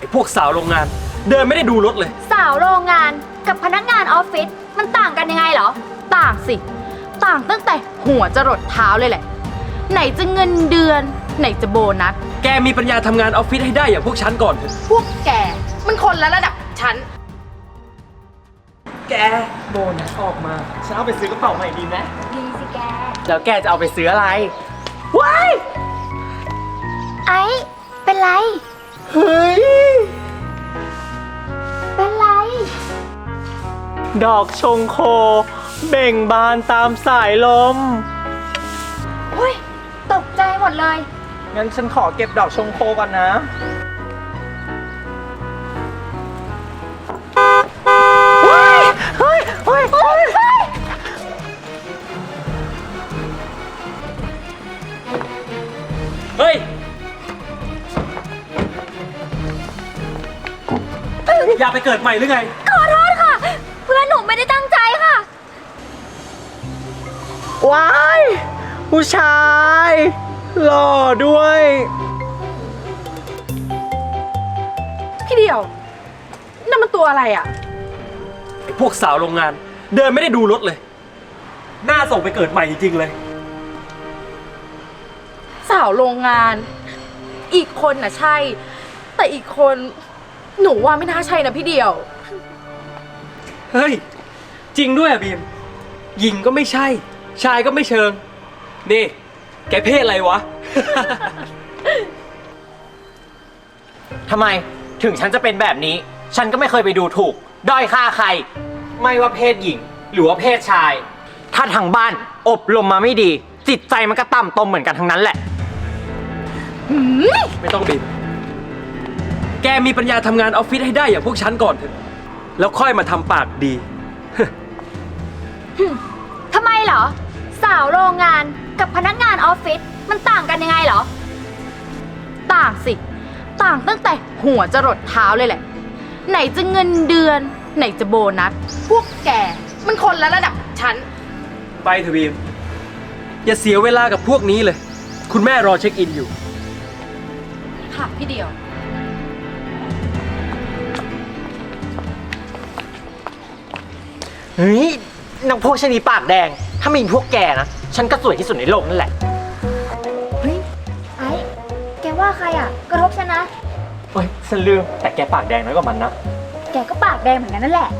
พวกสาวโรงงาน เดินไม่ได้ดูรถเลยสาวโรงงานกับพนักงานออฟฟิศมันต่างกันยังไงเหรอต่างสิต่างตั้งแต่หัวจรดเท้าเลยแหละไหนจะเงินเดือนไหนจะโบนัสแกมีปัญญาทำงานออฟฟิศให้ได้อย่างพวกฉันก่อนเถอะพวกแกมันคนละระดับฉันแกโบนัสออกมาฉันเอาไปซื้อกระเป๋าใหม่ดีไหมดีสิแกแล้วแกจะเอาไปซื้ออะไรว้ายไอ้เป็นไรเฮ้ยเป็นไรดอกชงโคเบ่งบานตามสายลมอุ้ยตกใจหมดเลยงั้นฉันขอเก็บดอกชงโคก่อนนะเฮ้ยเฮ้ยเฮ้ยเฮ้ยอย่าไปเกิดใหม่หรือไงขอโทษค่ะเพื่อนหนูไม่ได้ตั้งใจค่ะว้ายผู้ชายหล่อด้วยพี่เดียวนั่นมันตัวอะไรอ่ะไอ้พวกสาวโรงงานเดินไม่ได้ดูรถเลยน่าส่งไปเกิดใหม่จริงๆเลยสาวโรงงานอีกคนน่ะใช่แต่อีกคนหนูว่าไม่น่าใช่นะพี่เดียวเฮ้ยจริงด้วยอะบีมหญิงก็ไม่ใช่ชายก็ไม่เชิงนี่แกเพศอะไรวะทำไมถึงฉันจะเป็นแบบนี้ฉันก็ไม่เคยไปดูถูกด้อยค่าใครไม่ว่าเพศหญิงหรือว่าเพศชายถ้าทางบ้านอบรมมาไม่ดีจิตใจมันก็ต่ำตมเหมือนกันทั้งนั้นแหละไม่ต้องบีมแกมีปัญญาทำงานออฟฟิศให้ได้อย่างพวกฉันก่อนเถอะแล้วค่อยมาทำปากดีทำไมเหรอสาวโรงงานกับพนักงานออฟฟิศมันต่างกันยังไงเหรอต่างสิต่างตั้งแต่หัวจรดเท้าเลยแหละไหนจะเงินเดือนไหนจะโบนัสพวกแกมันคนละระดับฉันไปเถอะบีมอย่าเสียเวลากับพวกนี้เลยคุณแม่รอเช็คอินอยู่ค่ะพี่เดียวเฮ้ยนางพวกชะนีปากแดงถ้ามีพวกแกนะฉันก็สวยที่สุดในโลกนั่นแหละเฮ้ยไอ้แกว่าใครอ่ะกระทบฉันนะเฮ้ยฉันลืมแต่แกปากแดงน้อยกว่ามันนะแกก็ปากแดงเหมือนกันนั่นแหละ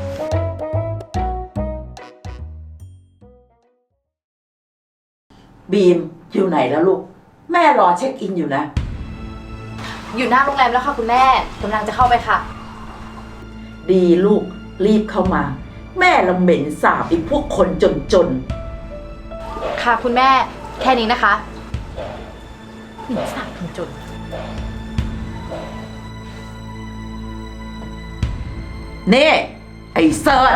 บีมอยู่ไหนแล้วลูกแม่รอเช็คอินอยู่นะอยู่หน้าโรงแรมแล้วค่ะคุณแม่กำลังจะเข้าไปค่ะดีลูกรีบเข้ามาแม่ละเหม็นสาบไอ้พวกคนจนค่ะคุณแม่แค่นี้นะคะเหม็นสาบคนจนเน่ไอ้เซิร์ช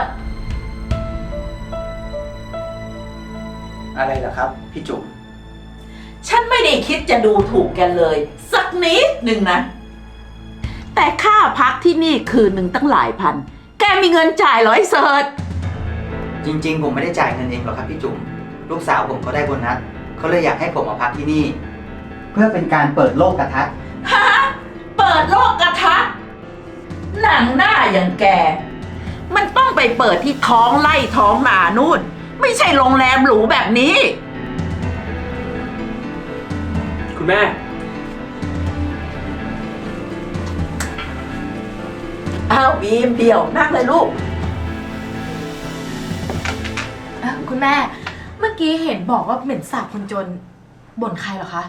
อะไรเหรอครับพี่จุ๋มฉันไม่ได้คิดจะดูถูกแกเลยสักนิดหนึ่งนะแต่ค่าพักที่นี่คืนหนึ่งตั้งหลายพันแกมีเงินจ่ายเหรอไอ้เซิร์ชจริงๆผมไม่ได้จ่ายเงินเองหรอกครับพี่จุ๋มลูกสาวผมเขาได้โบนัสเขาเลยอยากให้ผมมาพักที่นี่เพื่อเป็นการเปิดโลกทัศน์ฮะเปิดโลกทัศน์หนังหน้าอย่างแกมันต้องไปเปิดที่ท้องไร่ท้องนานู่นไม่ใช่โรงแรมหรูแบบนี้คุณแม่อ้าวบีมเดี่ยวนั่งเลยลูกคุณแม่เมื่อกี้เห็นบอกว่าเหม็นสาบคนจนบ่นใครเหรอคะ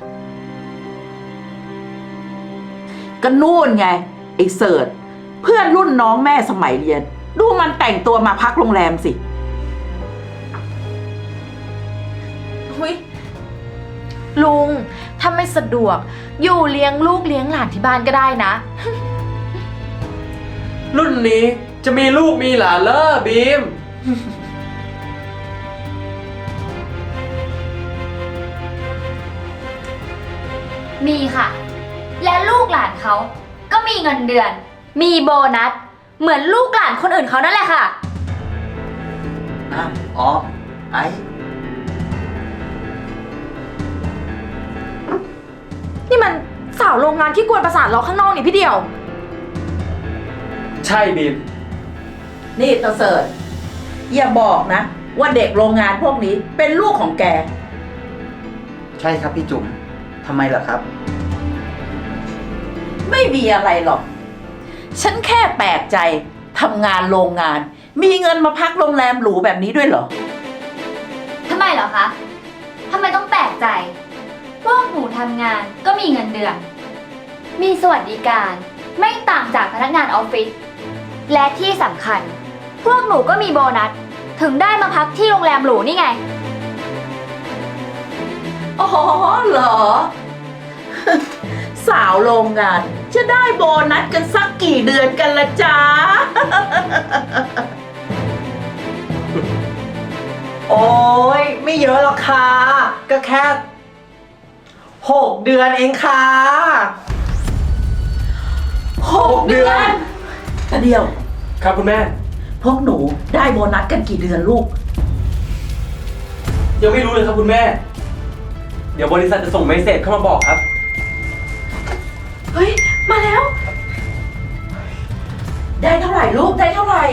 ก็นู่นไงไอ้เสิร์ชเพื่อนรุ่นน้องแม่สมัยเรียนดูมันแต่งตัวมาพักโรงแรมสิหุ้ยลุงถ้าไม่สะดวกอยู่เลี้ยงลูกเลี้ยงหลานที่บ้านก็ได้นะรุ่นนี้จะมีลูกมีหลานเลอบีมมีค่ะและลูกหลานเขาก็มีเงินเดือนมีโบนัสเหมือนลูกหลานคนอื่นเขานั่นแหละค่ะอ๋อไอ้นี่มันสาวโรงงานที่กวนประสาทเราข้างนอกนี่พี่เดียวใช่บีมนี่ตาเสิร์ชอย่าบอกนะ ว่าเด็กโรงงานพวกนี้เป็นลูกของแกใช่ครับพี่จุ๋มทำไมล่ะครับไม่มีอะไรหรอก ฉันแค่แปลกใจทำงานโรงงาน มีเงินมาพักโรงแรมหรูแบบนี้ด้วยเหรอทำไมเหรอคะ ทำไมต้องแปลกใจ พวกหนูทำงานก็มีเงินเดือน มีสวัสดิการไม่ต่างจากพนักงานออฟฟิศ และที่สำคัญ พวกหนูก็มีโบนัส ถึงได้มาพักที่โรงแรมหรูนี่ไงอ๋อเหรอ สาวโรงงานจะได้โบนัสกันสักกี่เดือนกันละจ๊ะโอ้ยไม่เยอะหรอกค่ะ ก็แค่6 เดือนเองค่ะ 6 เดือนแต่เดียวครับคุณแม่พวกหนูได้โบนัสกันกี่เดือนลูกยังไม่รู้เลยครับคุณแม่ เดี๋ยวบริษัทจะส่งเมสเสจเข้ามาบอกครับเฮ้ย มาแล้ว ได้เท่าไหร่ลูก ได้เท่าไหร่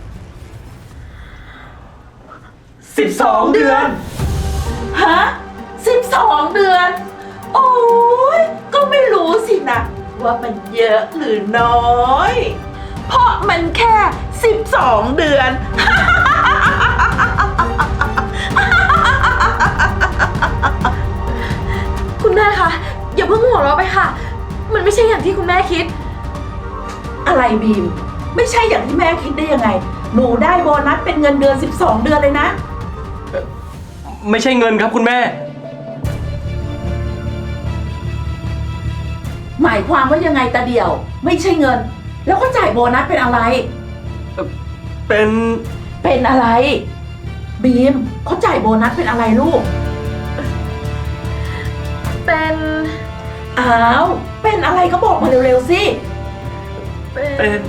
12 เดือนฮะ12 เดือน โอ้ยก็ไม่รู้สินะว่ามันเยอะหรือน้อย เพราะมันแค่ 12 เดือนคุณแม่คะอย่าเพิ่งหัวเราะไปค่ะ มันไม่ใช่อย่างที่คุณแม่คิดอะไรบีม ไม่ใช่อย่างที่แม่คิดได้ยังไง หนูได้โบนัสเป็นเงินเดือน 12 เดือนเลยนะไม่ใช่เงินครับคุณแม่หมายความว่ายังไงตาเดียว ไม่ใช่เงิน แล้วก็จ่ายโบนัสเป็นอะไรเป็นเป็นอะไร บีมเขาจ่ายโบนัสเป็นอะไรลูกเป็นอ้าว เป็นอะไรก็บอกมาเร็วๆสิเป็น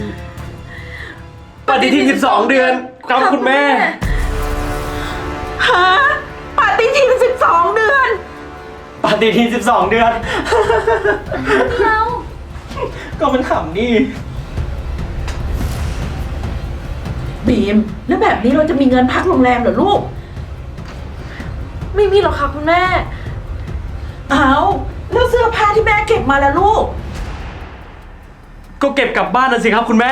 ปฏิทิน12 เดือนครับคุณแม่ฮะปฏิทิน12 เดือนปฏิทิน12 เดือนเราก็มันขำนี่บีม แล้วแบบนี้เราจะมีเงินพักโรงแรมเหรอลูกไม่มีหรอกค่ะคุณแม่อ้าว แล้วเสื้อผ้าที่แม่เก็บมาแล้วลูกก็เก็บกลับบ้านนะสิครับคุณแม่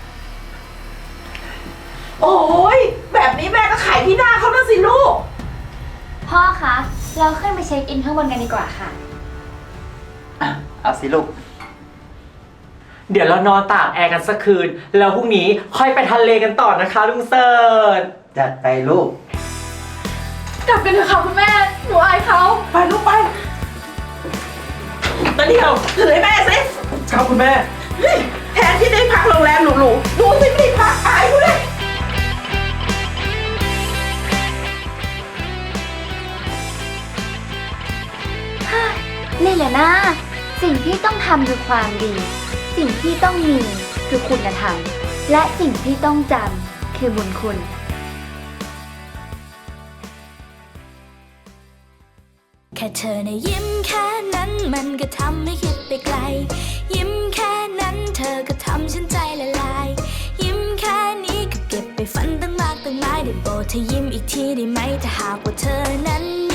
โอ้ยแบบนี้แม่ก็ขายที่หน้าเขานะสิลูกพ่อคะ เราขึ้นไปเช็คอินข้างบนกันดีกว่าค่ะอ่ะ เอาสิลูกเดี๋ยวเรานอนตากแอร์กันสักคืน แล้วพรุ่งนี้ค่อยไปทะเลกันต่อนะคะลุงเสิร์ชจัดไปลูกกลับกันเถอะค่ะคุณแม่ หนูอายเขาไปลูกไปตาเดียวถือให้แม่สิครับคุณแม่เฮ้ยแทนที่ได้พักโรงแรมหรูๆดูสิไม่ได้พักอายกูเลยนี่แหละนะสิ่งที่ต้องทำคือความดี สิ่งที่ต้องมีคือคุณธรรม และสิ่งที่ต้องจำคือบุญคุณแค่เธอในะยิ้มแค่นั้นมันก็ทำให้คิดไปไกล ยิ้มแค่นั้นเธอก็ทำฉันใจละลาย ยิ้มแค่นี้ก็เก็บไปฝันตั้งมากตั้งหลายได้โปรดเธอยิ้มอีกทีได้ไหมถ้าหากว่าเธอนั้น